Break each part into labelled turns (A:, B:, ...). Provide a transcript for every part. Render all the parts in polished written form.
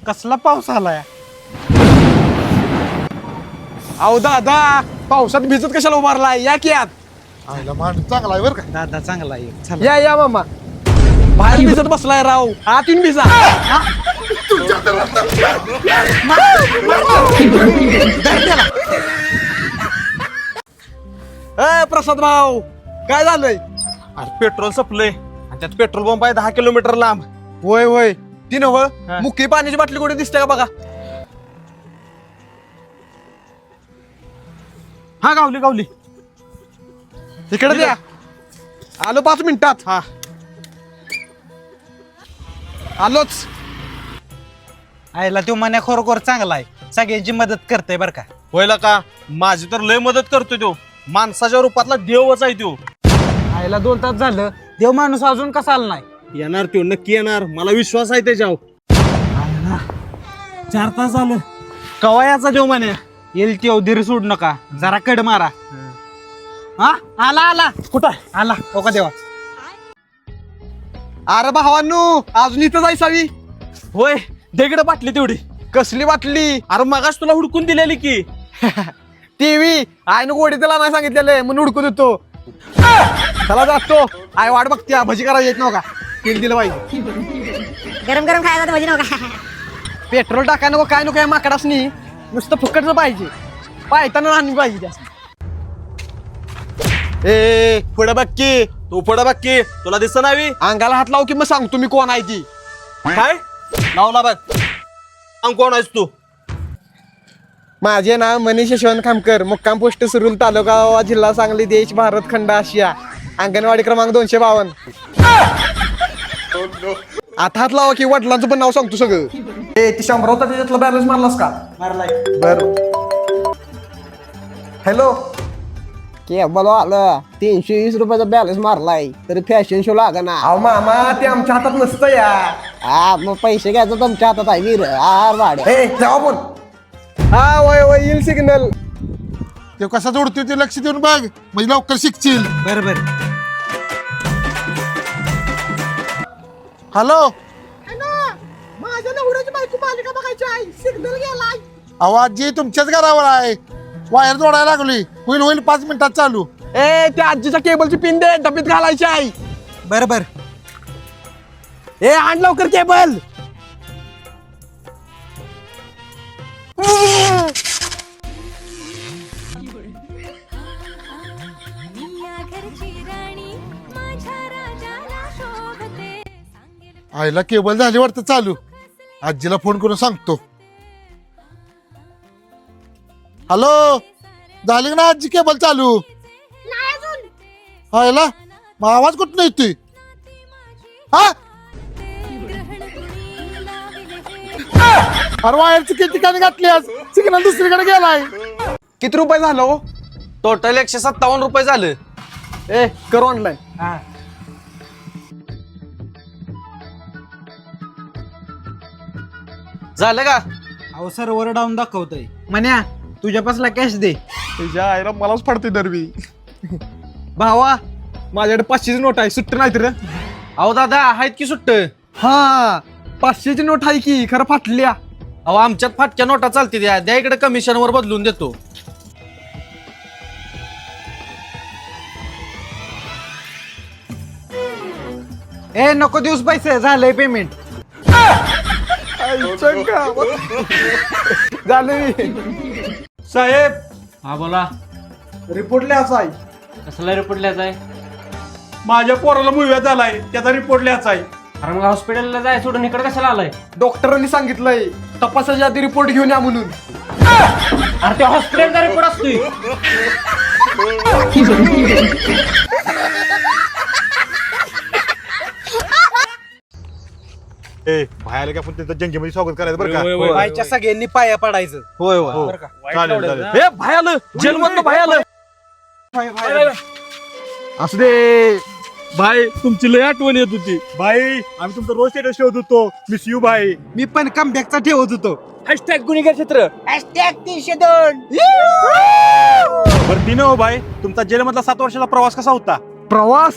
A: कसला पाऊस आलाय?
B: अहो दादा, पावसात भिजत कशाला उभारलाय? या की आत.
C: आईला माणूस चांगला आहे बरं का.
A: दादा चांगला आहे. चला.
B: या मामा. बाहेर भिजत बसलाय राव, आत येऊन भिजा. प्रसाद भाऊ, काय झालंय?
A: अरे पेट्रोल संपलंय आणि त्यात पेट्रोल पंप आहे 10 किलोमीटर लांब.
B: होय होय, ती नव
A: हा.
B: मुख्य पाण्याची बाटली कुठे दिसते का बघा?
A: हा गावली गावली.
B: इकडे द्या. आलो 5 मिनिटात.
A: हा
B: आलोच.
A: आयला तो मन्या खरोखर चांगला आहे, सगळ्यांची मदत करते बर का.
D: होयला का माझी तर लय मदत करतो तो, माणसाच्या रूपातला देवच आहे तो.
A: आयला 2 तास झालं, देव माणूस अजून कसा आला नाही?
D: येणार तो, नक्की येणार, मला विश्वास आहे त्याच्यावर.
A: 4 तास झालं.
D: कवा याचा देव म्हणे?
A: येईल ती धीर सोड नका, जरा कड मारा. हा आला आला.
B: कुठं
A: आला हो का देवा.
B: अरे भावांनो, अजून इथं जायसावी.
D: होय, देगड बाटली तेवढी.
B: कसली बाटली?
D: अरे मगाच तुला हुडकून दिलेली की.
B: टीव्ही आईनं गोडी त्याला नाही सांगितलेलं म्हणून हुडकून देतो. चला जातो. आई वाट बघते, भजी करायला येत नव्हता. तेल दिलं पाहिजे.
E: गरम गरम खायला तर भजी नका.
B: पेट्रोल टाकाय नको, काय नको, या माकडासनी नुसतं फुकटचं पाहिजे. पायताना आणली पाहिजे त्या.
D: ए पुढे बघ की, तू पुढे बघ की, तुला दिसत नाही?
B: अंगाला हात लावू की मग सांगतो मी कोण आहे ती.
D: काय लावला बघ? सांग कोण आहेस तू?
B: माझे नाव मनीष यशवंत खामकर, मुक्काम पोस्ट सुरुल, तालुका जिल्हा सांगली, देश, भारत खंड, आशिया. अंगणवाडी क्रमांक 252. आता हात लावा की वडिलांचं पण नाव सांगतो सगळं. ए ती 100 होता त्याच्यातला बॅलन्स मारलास का?
A: मारलाय.
B: बर. हॅलो.
F: केबल आलं 320 रुपयाचा बॅलन्स मारलाय तरी फॅशन शो लागा ना.
B: अहो मामा, ते आमच्या हातात नसतं या.
F: हा मग पैसे घ्यायचं तुमच्या हातात आहे वीर. भाड्या
B: ए जावा बोल. हा वय वय येईल सिग्नल.
C: ते कसा जोडतोय ते लक्ष देऊन बघ, म्हणजे लवकर शिकशील.
A: बरोबर.
C: हॅलो,
B: माझ्या नवऱ्याची बायको मालिका बघायची आहे, सिग्नल गेलाय.
C: आवाज जी तुमच्याच घरावर आहे, वायर जोडायला लागली. होईल होईल 5 मिनिटात चालू.
B: ए त्या आजीच्या केबलची पिन दे, डबीत घालायची आहे.
A: बरोबर.
B: ए आण लवकर केबल.
C: आईला केबल झाली वाटतं चालू. आजीला फोन करून सांगतो. हॅलो, झाली का ना आजी केबल चालू? आईला मग आवाज कुठं येतोय? हा अरे वायरची किती ठिकाणी घातली आज, सिग्नल दुसरीकडे गेलाय.
B: किती रुपये झालं हो?
D: टोटल 157 रुपये झालं.
B: ए कर ऑनलाईन.
A: हा
D: झालं का?
A: अहो सर्व्हर डाऊन दाखवतोय. मन्या तुझ्यापासला कॅश दे.
B: तुझ्या आईला मलाच पडते दरवी. भावा, माझ्याकडे 500ची नोट आहे, सुट्ट नाही तर.
D: अहो दादा आहेत की सुट्ट.
B: हा 500ची नोट आहे की, खरं फाटल्या.
D: अहो आमच्यात फाटक्या नोटा चालते द्या इकडे, कमिशन वर बदलून देतो.
A: ए नको दिवस पैसे, झालंय पेमेंट.
B: झालं.
A: साहेब
G: हा बोला.
A: रिपोर्ट लिहायचा आहे.
G: कसला रिपोर्ट लिहायचा आहे?
A: माझ्या पोराला मुव्या झालाय, त्याचा रिपोर्ट लिहायचा आहे.
G: अरे मग हॉस्पिटलला जाय सोडून इकडे कशाला आलाय?
B: डॉक्टरांनी सांगितलंय तपासाच्या आधी रिपोर्ट घेऊन या म्हणून.
G: अरे ते हॉस्पिटलचा रिपोर्ट असतोय.
C: ए बाहेर का पण त्यांचं जंगीमध्ये स्वागत करायचं बरं का.
A: बायच्या सगळ्यांनी पाया पडायचं.
D: होय
C: हो.
D: होय.
A: बरं का?
C: चालेल चालेल.
D: हे भाई आलं, जेलमधलं भाई आलं.
B: असू दे.
D: भाई तुमची लय आठवण येत होती.
C: बाई आम्ही तुमचा रोज स्टेटस शोधत होतो. मिस यू बाई.
A: मी पण कमबॅकचा ठेवत होतो.
D: हॅशटॅग गुन्हेगार क्षेत्र.
C: बरं ती हो बाई, तुमचा जेलमधला 7 वर्षाचा प्रवास कसा होता?
B: प्रवास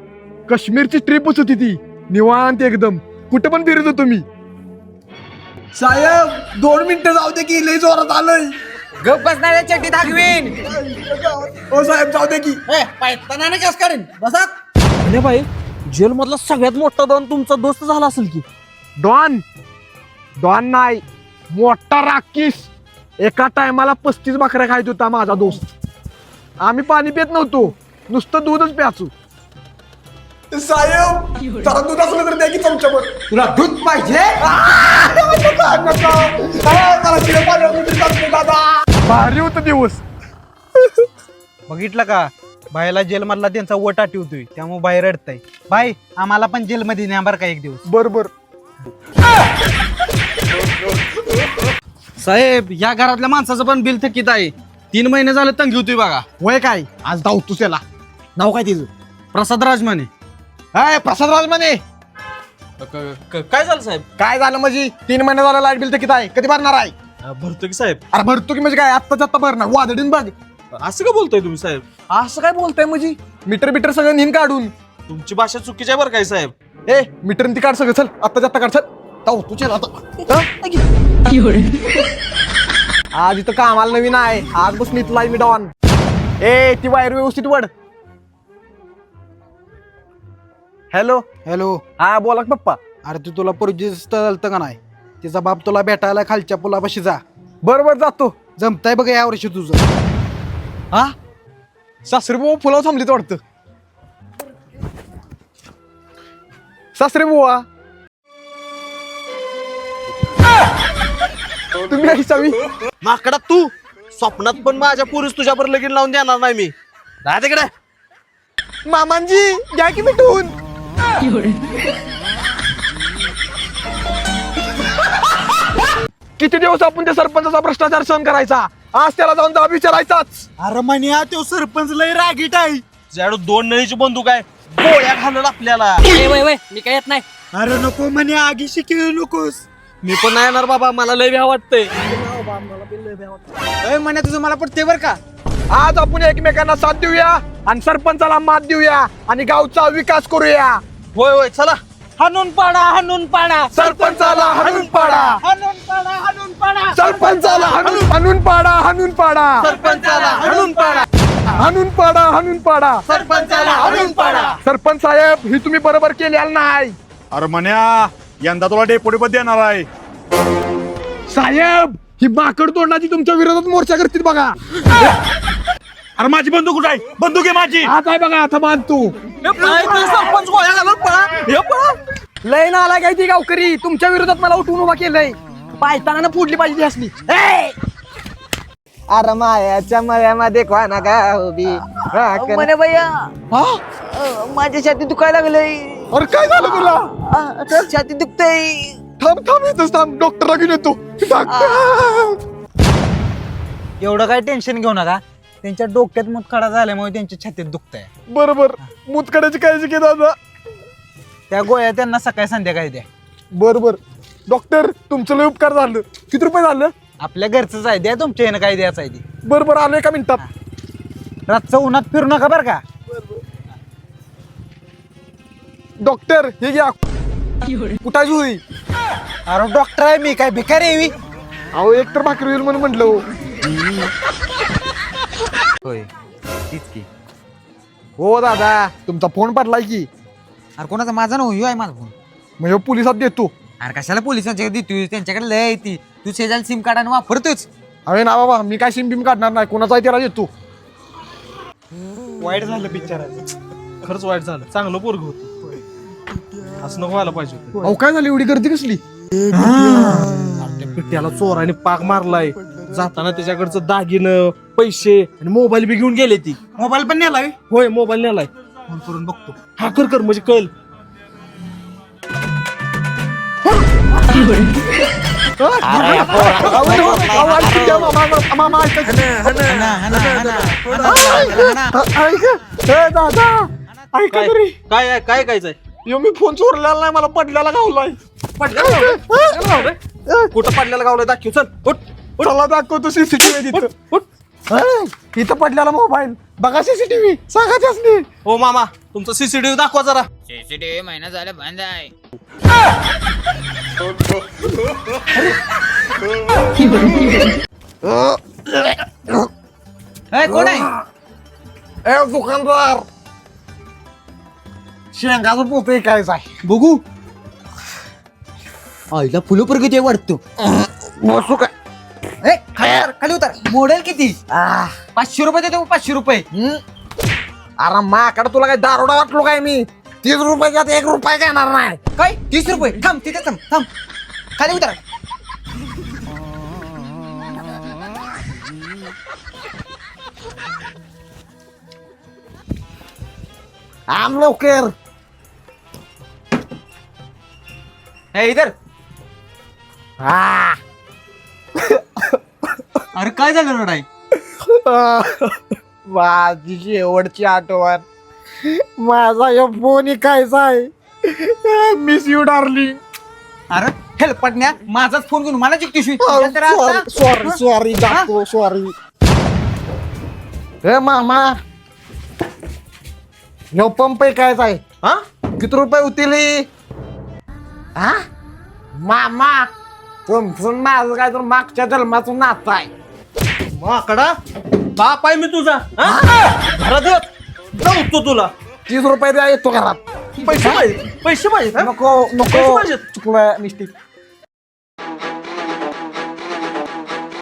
B: काश्मीरची ट्रिपच होती ती, निवांत एकदम. कुठे पण फिरत होतो मी. साहेब 2 मिनिटं जाऊ दे की लय जोरात आलंय.
F: गप बसणार चड्डी दाखवीन.
B: ओ साहेब जाऊ दे की.
D: अरे भाई जेल मधला सगळ्यात मोठा डॉन तुमचा दोस्त झाला असेल की.
B: डॉन डॉन नाही, मोठा राकीस. एका टायमाला 35 बकऱ्या खायत होता माझा दोस्त. आम्ही पाणी पित नव्हतो, नुसतं दूधच प्याचू. साहेब जरा दूध असलं तर द्या की चमच्यावर. तुला दूध पाहिजे? भारी होत दिवस.
A: बघितलं का बायला जेल मधला त्यांचा वट आठवतोय त्यामुळे बाहेर रडताय. बाई आम्हाला पण जेल मध्ये न्या बरं का एक दिवस.
B: बरोबर.
D: साहेब या घरातल्या माणसाचं पण बिल थकीत आहे. 3 महिने झाले तंगी होती बघा.
B: वय काय आज धावतोस त्याला. नाव काय तिचं?
D: प्रसाद राजमाने.
B: हाय प्रसाद राजमाने.
D: काय झालं साहेब?
B: काय झालं म्हणजे 3 महिने झालं लाईट बिल तर किती आहे? कधी भरणार आहे?
D: भरतो की साहेब.
B: अरे भरतो की म्हणजे काय आत्ताच आत्ता भरणार वादडीन बघ.
D: असं का बोलतोय तुम्ही साहेब?
B: असं काय बोलताय म्हणजे मीटर बिटर सगळं निम काढून.
D: तुमची भाषा चुकीची आहे बरं काय साहेब.
B: ए मीटर ती काढ सगळं. चल आत्ताच आत्ता काढ. चल तुझे आता आज इथं कामाला नवीन आहे. आज बसून इथला मी डॉन. ए ती वायर व्यवस्थित वड. Hello
A: hello.
B: हा बोला की पप्पा.
A: अरे तू तुला पोरगीच चालतं का नाही? तिचा बाप तुला भेटायला खालच्या पुलापाशी जा.
B: बरोबर जातो.
A: जमताय बघ या वर्षी तुझं.
B: हा सासरे बुवा फुलावर थांबलीत वाटतं. सासरे बुवा तुम्ही आई चावी.
D: माकडा तू स्वप्नात पण माझ्या पुरुष तुझ्यावर लगीन लावून देणार नाही मी. राहा तिकडे.
B: मामांजी घ्या की मिठून. किती दिवस आपण त्या सरपंचाचा भ्रष्टाचार सहन करायचा. आज त्याला जाऊन जाब विचारायचाच.
A: अरे म्हणे तो सरपंच लय रागीट आहे.
D: तुझ्याकडे 2 नळीची बंदूक आहे. गोळ्या घालून आपल्याला.
G: मी काय येत नाही.
A: अरे नको म्हणे आगी शिकवू नकोस.
D: मी पण नाही येणार बाबा. मला लय भ्या वाटतंय.
A: म्हणे तुझं मला पटते बर का.
B: आज आपण एकमेकांना साथ देऊया आणि सरपंचाला मात देऊया आणि गावचा विकास करूया.
D: होय होय चला.
A: हाणून पाडा हाणून पाडा.
B: सरपंचाला हाणून पाडा.
A: हाणून पाडा हाणून पाडा.
B: सरपंचाला हाणून पाडा. हाणून पाडा.
D: सरपंचाला हाणून पाडा.
B: हाणून पाडा. हाणून पाडा.
D: सरपंचाला हाणून पाडा.
B: सरपंच साहेब ही तुम्ही बरोबर केलेलं नाही.
C: अरे म्हण्या यंदा तुला डेपुटी पद देणार आहे.
B: साहेब ही माकड तोंडाची तुमच्या विरोधात मोर्चा करतील बघा.
C: अरे माझी बंदूक कुठे आहे? बंदूक आहे माझी.
B: आता आहे बघा आता मान तू.
D: सरपंच गोळ्या घालून पळा. हे पळा.
B: लय ना आला काय ती गावकरी तुमच्या विरोधात मला उठवून उभा केलंय. पायताना फोडली पाहिजे ती असली.
F: अरे मायाच्या मळ्यामध्ये कोणा का उभी
H: म्हणे भैया माझ्या छाती दुखायला लागलंय.
B: अरे काय झालं तुला?
H: छाती दुखतय.
B: थांब थांब येतोस थांब. डॉक्टरला घेऊन येतो.
A: एवढं काय टेन्शन घेऊ नका. त्यांच्या डोक्यात मुतखडा झाल्यामुळे त्यांच्या छातीत दुखतंय.
B: बरोबर. मुतकड्याची काळजी घे दादा.
A: त्या गोळ्या त्यांना सकाळी संध्याकाळी द्या.
B: बरोबर. डॉक्टर तुमचं लय उपकार झालं. किती रुपये झालं?
A: आपल्या घरचंच आहे द्या. तुमच्या ह्यानं काय द्यायचं आहे ते.
B: बरोबर आलो एका मिनिटात.
A: रातचं उन्हात फिरू नका बरं का.
B: डॉक्टर हे घ्या. कुठाची होई?
A: अरे डॉक्टर आहे मी काय भिकारी आहे मी?
B: अहो एक तर भाकरी होईल म्हणून म्हटलं.
A: होय तीच की.
B: हो दादा तुमचा फोन पडलाय की.
A: अरे कोणाचा माझा ना आहे माझा फोन.
B: म्हणजे पोलिसात देतो.
A: अरे कशाला पोलिसांच्या देतोय? त्यांच्याकडे लय आहे ती. तू शेजारी सिम कार्ड आणि वापरतोच.
B: अरे ना बाबा मी काय सिम बिम काढणार नाही. कोणाचा त्याला देतो.
A: वाईट झालं पिक्चराचं.
D: खरंच वाईट झालं. चांगलं पोरग होतं. असं नको व्हायला पाहिजे होतं.
B: अहो काय झाली एवढी गर्दी कसली?
D: त्या पिट्याला चोराने पाक मारलाय. जाताना त्याच्याकडचं दागिनं पैसे आणि मोबाईल बी घेऊन गेले ती.
A: मोबाईल पण नेलाय.
D: होय मोबाईल नेलाय.
A: फोन करून बघतो.
D: हा कर म्हणजे कळ.
B: दादा ऐका तरी.
D: काय काय कायचंय?
B: यो मी फोन चोरलेला नाही. मला पडल्याला गावलाय.
D: कुठं पडलेला गावलाय दाखव. चल उठ.
B: चला दाखवतो सीसीटीव्ही तिथं. इथं पडलेला मोबाईल बघा. सीसीटीव्ही सांगा त्यासनी.
D: हो मामा तुमचं सीसीटीव्ही दाखवा जरा.
I: सीसीटीव्ही महिना झाला बंद आहे.
A: कोण आहे
B: ए दुकानदार शेंगाचं पोत ऐकायचं आहे
H: बघू आईला फुलं प्रगती वाटतो
B: बसू काय
H: खाली उतर मॉडेल किती 500 रुपये देतो 500 रुपये
B: अरे माकडे तुला काय दारोडा वाटलो काय मी 30 रुपयाच्यात 1 रुपया घेणार नाही
H: काय 30 रुपये थांब तिथे थांब थांब खाली उतर
B: आम लवकर
H: हे इधर
B: हा
H: अरे काय झालं रडाई
B: माझी शेवटची आठवण माझा या फोन ऐकायचा आहे मिस यू डार्लिंग
H: अरे हेल्प पडण्या माझाच फोन घेऊन मला जिंकतीस
B: सॉरी जातो सॉरी हे मामा यो पंप ऐकायचा आहे हा किती रुपये होतील हा मामा तुमचं माझं काय तर मागच्या जन्माचं नातं आहे
D: माकडा बाप आहे मी तुझा घरात जाऊ तुला
B: 30 रुपये द्या येतो घरात
D: पैसे पाहिजे
B: नको
D: पैसे
B: नको
D: पाहिजेत.
B: चुकलं मिस्टेक